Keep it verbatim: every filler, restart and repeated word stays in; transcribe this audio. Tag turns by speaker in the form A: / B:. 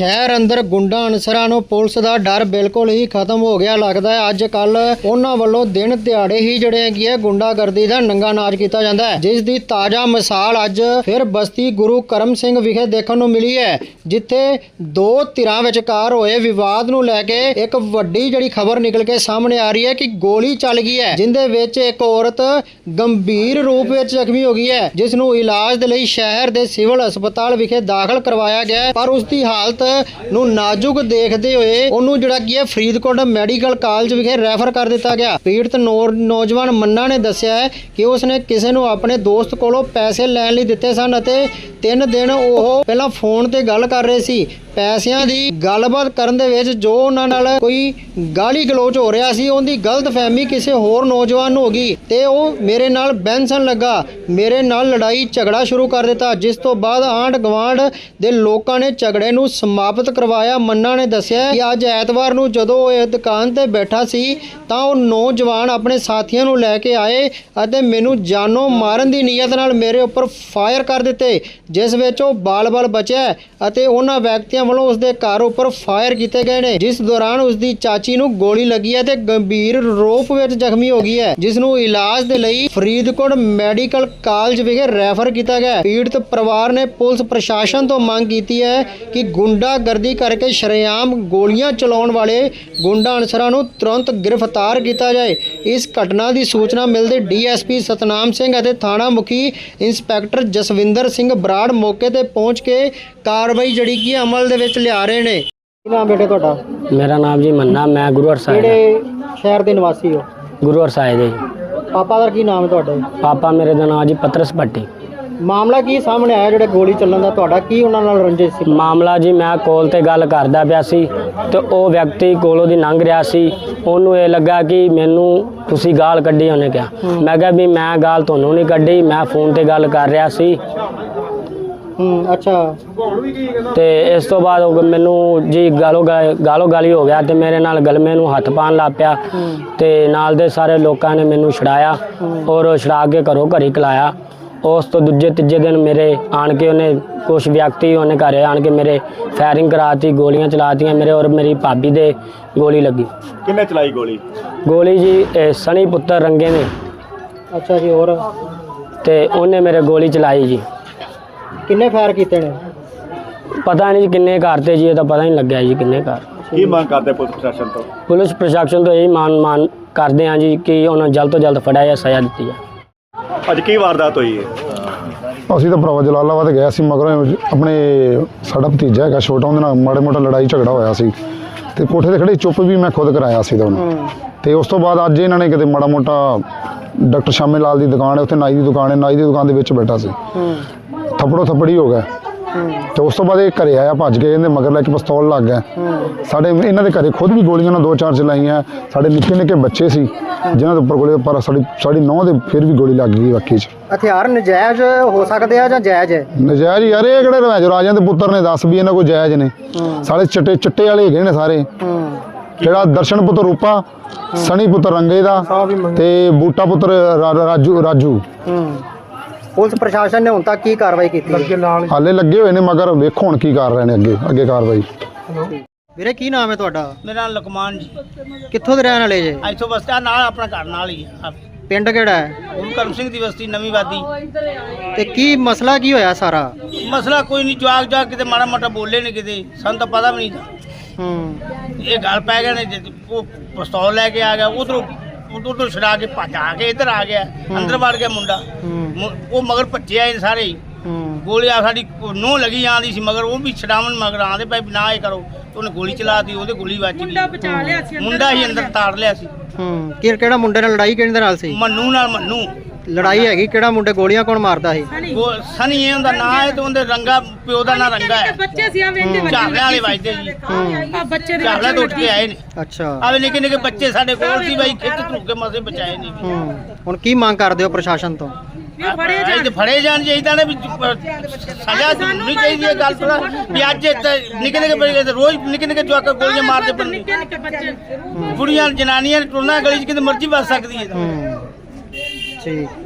A: शहर अंदर गुंडा अनसरां नूं पुलिस दा डर बिल्कुल ही खत्म हो गया लगदा है। अज कल उन्हां वल्लों दिन दिहाड़े ही जिहड़े हैगी है गुंडागर्दी दा नंगा नाच कीता जांदा है, जिस दी ताज़ा मिसाल अज फिर बस्ती गुरु करम सिंह विखे देखण नूं मिली है, जिथे दो धिरां विचकार होए विवाद नूं लैके एक वड्डी जिहड़ी खबर निकल के सामने आ रही है कि गोली चल गई है, जिंदे विच एक औरत गंभीर रूप विच जख्मी हो गई है, जिस नूं इलाज दे लई शहर दे सिविल हस्पताल विखे दाखिल करवाया गया है। पर उसकी हालत नूं नाजुक देखते हुए उन्होंने जिहड़ा की है फरीदकोट मैडिकल कॉलेज विखे रैफर कर दिता गया। पीड़ित नौजवान मन्ना ने दस्सिया है कि उसने किसी नूं अपने दोस्त कोलों पैसे लैण लई दिते सन अते तीन दिन वो पहला फोन ते गल कर रहे सी। पैसिਆਂ ਦੀ ਗੱਲਬਾਤ ਕਰਨ ਦੇ ਵਿੱਚ ਜੋ ਉਹਨਾਂ ਨਾਲ ਕੋਈ ਗਾਲੀ ਗਲੋਚ ਹੋ ਰਿਹਾ ਸੀ, ਉਹਦੀ ਗਲਤ ਫਹਿਮੀ ਕਿਸੇ ਹੋਰ ਨੌਜਵਾਨ ਨੂੰ ਹੋ ਗਈ ਤੇ ਉਹ ਮੇਰੇ ਨਾਲ ਬੈਂਸਣ ਲੱਗਾ, ਮੇਰੇ ਨਾਲ ਲੜਾਈ ਝਗੜਾ ਸ਼ੁਰੂ ਕਰ ਦਿੱਤਾ, ਜਿਸ ਤੋਂ ਬਾਅਦ ਆਂਢ ਗਵਾਂਢ ਦੇ ਲੋਕਾਂ ਨੇ ਝਗੜੇ ਨੂੰ ਸਮਾਪਤ ਕਰਵਾਇਆ। ਮੰਨਾ ਨੇ ਦੱਸਿਆ ਕਿ ਅੱਜ ਐਤਵਾਰ ਨੂੰ ਜਦੋਂ ਉਹ ਇਹ ਦੁਕਾਨ ਤੇ ਬੈਠਾ ਸੀ ਤਾਂ ਉਹ ਨੌਜਵਾਨ ਆਪਣੇ ਸਾਥੀਆਂ ਨੂੰ ਲੈ ਕੇ ਆਏ ਅਤੇ ਮੈਨੂੰ ਜਾਨੋਂ ਮਾਰਨ ਦੀ ਨੀਅਤ ਨਾਲ ਮੇਰੇ ਉੱਪਰ ਫਾਇਰ ਕਰ ਦਿੱਤੇ, ਜਿਸ ਵਿੱਚ ਉਹ ਬਾਲ-ਬਾਲ ਬਚਿਆ ਅਤੇ ਉਹਨਾਂ ਵਿਅਕਤੀਆਂ ਵੱਲੋਂ ਉਸਦੇ ਘਰ ਉੱਪਰ ਫਾਇਰ ਕੀਤੇ ਗਏ ਨੇ, ਜਿਸ ਦੌਰਾਨ ਉਸਦੀ ਚਾਚੀ ਨੂੰ ਗੋਲੀ ਲੱਗੀ ਹੈ ਤੇ ਗੰਭੀਰ ਰੂਪ ਵਿੱਚ ਜ਼ਖਮੀ ਹੋ ਗਈ ਹੈ, ਜਿਸ ਨੂੰ ਇਲਾਜ ਦੇ ਲਈ ਫਰੀਦਕੋਟ ਮੈਡੀਕਲ ਕਾਲਜ ਵਿਖੇ ਰੈਫਰ ਕੀਤਾ ਗਿਆ। ਪੀੜਤ ਪਰਿਵਾਰ ਨੇ ਪੁਲਿਸ ਪ੍ਰਸ਼ਾਸਨ ਤੋਂ ਮੰਗ ਕੀਤੀ ਹੈ ਕਿ ਗੁੰਡਾਗਰਦੀ ਕਰਕੇ ਸ਼ਰੇਆਮ ਗੋਲੀਆਂ ਚਲਾਉਣ ਵਾਲੇ ਗੁੰਡਾ ਅਨਸਰਾਂ ਨੂੰ ਤੁਰੰਤ ਗ੍ਰਿਫਤਾਰ ਕੀਤਾ ਜਾਏ। ਇਸ ਘਟਨਾ ਦੀ ਸੂਚਨਾ ਮਿਲਦੇ ਡੀਐਸਪੀ ਸਤਨਾਮ ਸਿੰਘ ਅਤੇ ਥਾਣਾ ਮੁਖੀ ਇੰਸਪੈਕਟਰ ਜਸਵਿੰਦਰ ਸਿੰਘ ਬਰਾੜ ਮੌਕੇ ਤੇ ਪਹੁੰਚ ਕੇ ਕਾਰਵਾਈ ਜਿਹੜੀ ਕੀ ਅਮਲ ਦੇ ਵਿੱਚ ਲਿਆ ਰਹੇ ਨੇ। ਕੀ ਨਾਮ ਬੇਟੇ ਤੁਹਾਡਾ?
B: ਮੇਰਾ ਨਾਮ ਜੀ ਮੰਨਾ, ਮੈਂ ਗੁਰੂ ਹਰਸਾਏ
A: ਕਿਹੜੇ ਸ਼ਹਿਰ ਦੇ ਨਿਵਾਸੀ ਹੋ?
B: ਗੁਰੂ ਹਰਸਾਏ ਦੇ।
A: ਪਾਪਾ ਦਾ ਕੀ ਨਾਮ ਹੈ ਤੁਹਾਡੇ?
B: ਪਾਪਾ ਮੇਰੇ ਦਾ ਨਾਮ ਜੀ ਪਤਰਸ ਭੱਟੀ।
A: ਮਾਮਲਾ ਕੀ ਸਾਹਮਣੇ ਆਇਆ ਜਿਹੜੇ ਗੋਲੀ ਚੱਲਣ ਦਾ? ਤੁਹਾਡਾ ਕੀ ਉਹਨਾਂ ਨਾਲ ਰੰਜਿਸ਼ ਸੀ?
B: ਮਾਮਲਾ ਜੀ ਮੈਂ ਕੋਲ ਤੇ ਗੱਲ ਕਰਦਾ ਪਿਆ ਸੀ ਤੇ ਉਹ ਵਿਅਕਤੀ ਕੋਲੋਂ ਦੀ ਲੰਘ ਰਿਹਾ ਸੀ, ਉਹਨੂੰ ਇਹ ਲੱਗਾ ਕਿ ਮੈਨੂੰ ਤੁਸੀਂ ਗਾਲ ਕੱਢੀ। ਉਹਨੇ ਕਿਹਾ, ਮੈਂ ਕਿਹਾ ਵੀ ਮੈਂ ਗਾਲ ਤੁਹਾਨੂੰ ਨਹੀਂ ਕੱਢੀ, ਮੈਂ ਫੋਨ ਤੇ ਗੱਲ ਕਰ ਰਿਹਾ ਸੀ।
A: ਹੂੰ, ਅੱਛਾ।
B: ਤੇ ਇਸ ਤੋਂ ਬਾਅਦ ਉਹ ਮੈਨੂੰ ਜੀ ਗਾਲੋ ਗਾਲੋ ਗਾਲੀ ਹੋ ਗਿਆ ਤੇ ਮੇਰੇ ਨਾਲ ਗਲਮੇ ਨੂੰ ਹੱਥ ਪਾਉਣ ਲੱਗ ਪਿਆ ਤੇ ਨਾਲ ਦੇ ਸਾਰੇ ਲੋਕਾਂ ਨੇ ਮੈਨੂੰ ਛੁਡਾਇਆ ਔਰ ਛੁਡਾ ਕੇ ਘਰੋਂ ਘਰੀ ਕਲਾਇਆ। ਉਸ ਤੋਂ ਦੂਜੇ ਤੀਜੇ ਦਿਨ ਮੇਰੇ ਆਣ ਕੇ ਉਹਨੇ ਕੁਛ ਵਿਅਕਤੀ ਉਹਨੇ ਘਰੇ ਆਣ ਕੇ ਮੇਰੇ ਫਾਇਰਿੰਗ ਕਰਾਤੀ, ਗੋਲੀਆਂ ਚਲਾਤੀਆਂ ਮੇਰੇ ਔਰ ਮੇਰੀ ਭਾਬੀ ਦੇ ਗੋਲੀ ਲੱਗੀ।
C: ਕਿੰਨੇ ਚਲਾਈ ਗੋਲੀ?
B: ਗੋਲੀ ਜੀ ਇਹ ਸਣੀ ਪੁੱਤਰ ਰੰਗੇ ਨੇ।
A: ਅੱਛਾ ਜੀ। ਹੋਰ?
B: ਤੇ ਉਹਨੇ ਮੇਰੇ ਗੋਲੀ ਚਲਾਈ ਜੀ।
A: ਕਿੰਨੇ ਫਾਇਰ ਕੀਤੇ ਨੇ?
B: ਪਤਾ ਨਹੀਂ ਜੀ ਕਿੰਨੇ ਘਰ ਤੇ ਜੀ, ਇਹ ਤਾਂ ਪਤਾ ਨਹੀਂ ਲੱਗਿਆ ਜੀ ਕਿੰਨੇ ਘਰ।
C: ਕੀ ਮੰਗ ਕਰਦੇ ਪੁਲਿਸ ਪ੍ਰਸ਼ਾਸਨ ਤੋਂ?
B: ਪੁਲਿਸ ਪ੍ਰਸ਼ਾਸਨ ਤੋਂ ਇਹ ਮਾਨ ਮਾਨ ਕਰਦੇ ਹਾਂ ਜੀ ਕਿ ਉਹਨਾਂ ਨੂੰ ਜਲਦ ਤੋਂ ਜਲਦ ਫੜਿਆ ਜਾਂ ਸਜ਼ਾ ਦਿੱਤੀ ਜਾਏ।
C: ਅੱਜ ਕੀ ਵਾਰਦਾਤ ਹੋਈ ਹੈ?
D: ਅਸੀਂ ਤਾਂ ਭਰਾਵਾ ਜਲਾਲਾਬਾਦ ਗਿਆ ਸੀ, ਮਗਰ ਆਪਣੇ ਸਾਡਾ ਭਤੀਜਾ ਹੈਗਾ ਛੋਟਾ, ਉਹਦੇ ਨਾਲ ਮਾੜੇ ਮੋਟਾ ਲੜਾਈ ਝਗੜਾ ਹੋਇਆ ਸੀ ਤੇ ਕੋਠੇ ਤੇ ਖੜੇ ਚੁੱਪ ਵੀ ਮੈਂ ਖੁਦ ਕਰਾਇਆ ਸੀ ਉਹਨੂੰ। ਤੇ ਉਸ ਤੋਂ ਬਾਅਦ ਅੱਜ ਇਹਨਾਂ ਨੇ ਕਿਤੇ ਮਾੜਾ ਮੋਟਾ ਡਾਕਟਰ ਸ਼ਾਮੇ ਲਾਲ ਦੀ ਦੁਕਾਨ ਹੈ, ਉੱਥੇ ਨਾਈ ਦੀ ਦੁਕਾਨ ਹੈ, ਨਾਈ ਦੀ ਦੁਕਾਨ ਦੇ ਵਿੱਚ ਬੈਠਾ ਸੀ, ਥੱਪੜੋ ਥੱਪੜੀ ਹੋ ਗਿਆ ਤੇ ਉਸ ਤੋਂ ਬਾਅਦ ਇਹ ਘਰੇ ਆਇਆ ਭੱਜ ਕੇ, ਇਹਦੇ ਮਗਰ ਲੈ ਕੇ ਪਿਸਤੌਲ ਲੱਗ ਗਿਆ। ਸਾਡੇ ਇਹਨਾਂ ਦੇ ਘਰੇ ਖੁਦ ਵੀ ਗੋਲੀਆਂ ਨਾਲ ਦੋ ਚਾਰ ਚਲਾਈਆਂ। ਸਾਡੇ ਨਿੱਕੇ ਨਿੱਕੇ ਬੱਚੇ ਸੀ ਜਿਨ੍ਹਾਂ ਦੇ ਉੱਪਰ ਗੋਲੀ, ਪਰ ਸਾਡੀ ਸਾਡੀ ਨੌਂ ਦੇ ਫਿਰ ਵੀ ਗੋਲੀ ਲੱਗ ਗਈ ਬਾਕੀ 'ਚ।
A: ਹਥਿਆਰ ਨਜਾਇਜ਼ ਹੋ ਸਕਦੇ ਆ ਜਾਂ ਜਾਇਜ਼ ਹੈ?
D: ਨਜਾਇਜ਼ ਯਾਰ, ਇਹ ਕਿਹੜੇ ਰਵਾਜ ਰਾਜਿਆਂ ਦੇ ਪੁੱਤਰ ਨੇ, ਦੱਸ ਵੀ ਇਹਨਾਂ ਕੋਈ ਜਾਇਜ਼ ਨੇ? ਸਾਰੇ ਚਿੱਟੇ ਚਿੱਟੇ ਵਾਲੇ ਹੈਗੇ ਨੇ ਸਾਰੇ। ਜਿਹੜਾ ਦਰਸ਼ਨ ਪੁੱਤਰ ਰੂਪਾ, ਸਣੀ ਪੁੱਤਰ ਰੰਗੇ ਦਾ ਤੇ ਬੂਟਾ ਪੁੱਤਰ ਰਾਜੂ ਰਾਜੂ
A: ਪੁਲਿਸ ਪ੍ਰਸ਼ਾਸਨ ਨੇ ਹੁਣ ਤੱਕ ਕੀ ਕਾਰਵਾਈ ਕੀਤੀ?
D: ਹਾਲੇ ਲੱਗੇ ਹੋਏ ਨੇ, ਮਗਰ ਵੇਖੋ ਹੁਣ ਕੀ ਕਰ ਰਹੇ ਨੇ ਅੱਗੇ ਅੱਗੇ ਕਾਰਵਾਈ।
A: ਵੀਰੇ ਕੀ ਨਾਮ ਹੈ ਤੁਹਾਡਾ?
E: ਮੇਰਾ ਨਾਮ ਲਕਮਾਨ ਜੀ।
A: ਕਿੱਥੋਂ ਦੇ ਰਹਿਣ ਵਾਲੇ ਜੇ?
E: ਇੱਥੋਂ ਬਸਤਾ ਨਾਲ ਆਪਣਾ ਘਰ ਨਾਲ ਹੀ ਆ।
A: ਪਿੰਡ ਕਿਹੜਾ ਹੈ?
E: ਗੁਰੂ ਕਰਮ ਸਿੰਘ ਦੀ ਬਸਤੀ ਨਵੀਂ ਵਾਦੀ।
A: ਤੇ ਕੀ ਮਸਲਾ ਕੀ ਹੋਇਆ ਸਾਰਾ?
E: ਮਸਲਾ ਕੋਈ ਨਹੀਂ, ਜਵਾਕ ਜਵਾਕ ਕਿਤੇ ਮਾੜਾ ਮੋਟਾ ਬੋਲੇ ਨੇ ਕਿਤੇ, ਸਾਨੂੰ ਤਾਂ ਪਤਾ ਵੀ ਨਹੀਂ।
A: ਹੂੰ,
E: ਇਹ ਗੱਲ ਪੈ ਗਏ ਨੇ, ਉਹ ਪਿਸਤੌਲ ਲੈ ਕੇ ਆ ਗਿਆ, ਉਧਰੋਂ ਉਧਰ ਛੁਡਾ ਕੇ ਭੱਜ ਆ ਕੇ ਇੱਧਰ ਆ ਗਿਆ, ਅੰਦਰ ਵੜ ਗਿਆ ਮੁੰਡਾ। ਉਹ ਮਗਰ ਭੱਜਿਆ ਇਹ ਸਾਰੇ ਹੀ। ਗੋਲੀਆਂ ਸਾਡੀ ਨੋਹ ਲੱਗੀ ਜਾਂਦੀ ਸੀ ਮਗਰ, ਉਹ ਵੀ ਛਡਾਵਣ ਮਗਰ ਆਂਦੇ ਪਏ ਨਾ ਇਹ ਕਰੋ, ਉਹਨੇ ਗੋਲੀ ਚਲਾਤੀ, ਉਹਦੇ ਗੋਲੀ ਵੱਜ ਗਈ। ਮੁੰਡਾ ਹੀ ਅੰਦਰ ਤਾੜ ਲਿਆ ਸੀ।
A: ਹੂੰ, ਕਿਹੜਾ ਮੁੰਡੇ ਨਾਲ ਲੜਾਈ ਕਿਹਦੇ ਨਾਲ ਸੀ?
E: ਮੰਨੂ ਨਾਲ। ਮੰਨੂ
A: ਲੜਾਈ ਹੈਗੀ? ਕਿਹੜਾ ਮੁੰਡੇ ਗੋਲੀਆਂ ਕੌਣ ਮਾਰਦਾ ਸੀ?
E: ਉਹ ਸਨੀ ਇਹ ਉਹਦਾ ਨਾਂ ਹੈ ਤੇ ਉਹਦੇ ਰੰਗਾ ਪਿਓ ਦਾ ਨਾਂ ਰੰਗਾ ਹੈ।
F: ਬੱਚੇ ਸੀ ਆ ਵੇਂਦੇ ਬੱਚੇ
E: ਝਾੜਿਆਂ ਵਾਲੇ ਵੱਜਦੇ ਜੀ।
F: ਆ ਬੱਚੇ ਦੇ
E: ਝਾੜਿਆਂ ਤੋਂ ਉੱਠ ਕੇ ਆਏ ਨੇ।
A: ਅੱਛਾ।
E: ਆਵੇ ਨਿੱਕੇ ਨਿੱਕੇ ਬੱਚੇ ਸਾਡੇ ਕੋਲ ਸੀ ਬਾਈ, ਖਿੱਚ ਧੂ ਕੇ ਮਸੇ ਬਚਾਏ ਨੇ।
A: ਹੂੰ, ਹੁਣ ਕੀ ਮੰਗ ਕਰਦੇ ਹੋ ਪ੍ਰਸ਼ਾਸਨ ਤੋਂ?
E: ਫੜੇ ਜਾਣ ਫੜੇ ਜਾਣ ਚਾਹੀਦਾ ਨੇ, ਵੀ ਸਜ਼ਾ ਨਹੀਂ ਚਾਹੀਦੀ ਇਹ ਗੱਲ ਥੋੜਾ ਵੀ ਅੱਜ ਨਿੱਕੇ ਨਿੱਕੇ ਬੱਚੇ ਰੋਜ਼ ਨਿੱਕੇ ਨਿੱਕੇ ਜਵਾਕ ਗੋਲੀਆਂ ਮਾਰਦੇ ਪਏ
F: ਨਿੱਕੇ ਨਿੱਕੇ ਬੱਚੇ।
E: ਕੁੜੀਆਂ ਜਨਾਨੀਆਂ ਟੁਰਨਾ ਗਲੀ 'ਚ ਕਿਤੇ ਮਰਜ਼ੀ ਵੱਜ ਸਕਦੀ ਹੈ।
A: ਠੀਕ।